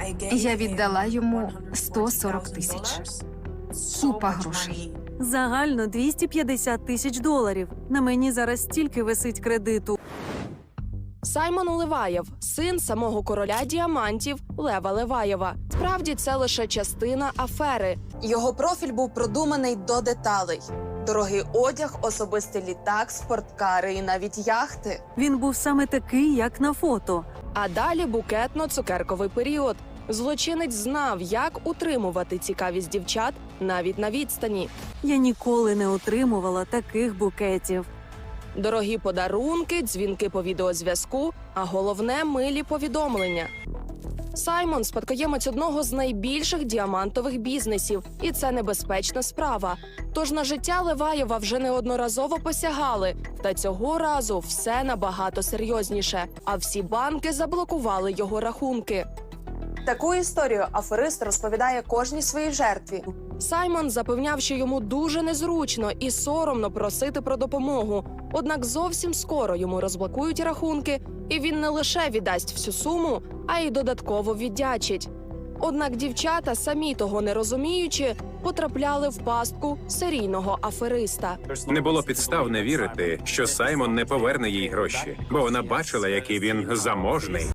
Я віддала йому 140 тисяч. Купа грошей. Загально 250 тисяч доларів. На мені зараз стільки висить кредиту. Саймон Леваєв – син самого короля діамантів Лева Леваєва. Справді, це лише частина афери. Його профіль був продуманий до деталей. Дорогий одяг, особистий літак, спорткари і навіть яхти. Він був саме такий, як на фото. А далі букетно-цукерковий період. Злочинець знав, як утримувати цікавість дівчат навіть на відстані. Я ніколи не отримувала таких букетів. Дорогі подарунки, дзвінки по відеозв'язку, а головне – милі повідомлення. Саймон – спадкоємець одного з найбільших діамантових бізнесів, і це небезпечна справа. Тож на життя Леваєва вже неодноразово посягали, та цього разу все набагато серйозніше, а всі банки заблокували його рахунки. Таку історію аферист розповідає кожній своїй жертві. Саймон запевняв, що йому дуже незручно і соромно просити про допомогу. Однак зовсім скоро йому розблокують рахунки, і він не лише віддасть всю суму, а й додатково віддячить. Однак дівчата, самі того не розуміючи, потрапляли в пастку серійного афериста. Не було підстав не вірити, що Саймон не поверне їй гроші, бо вона бачила, який він заможний.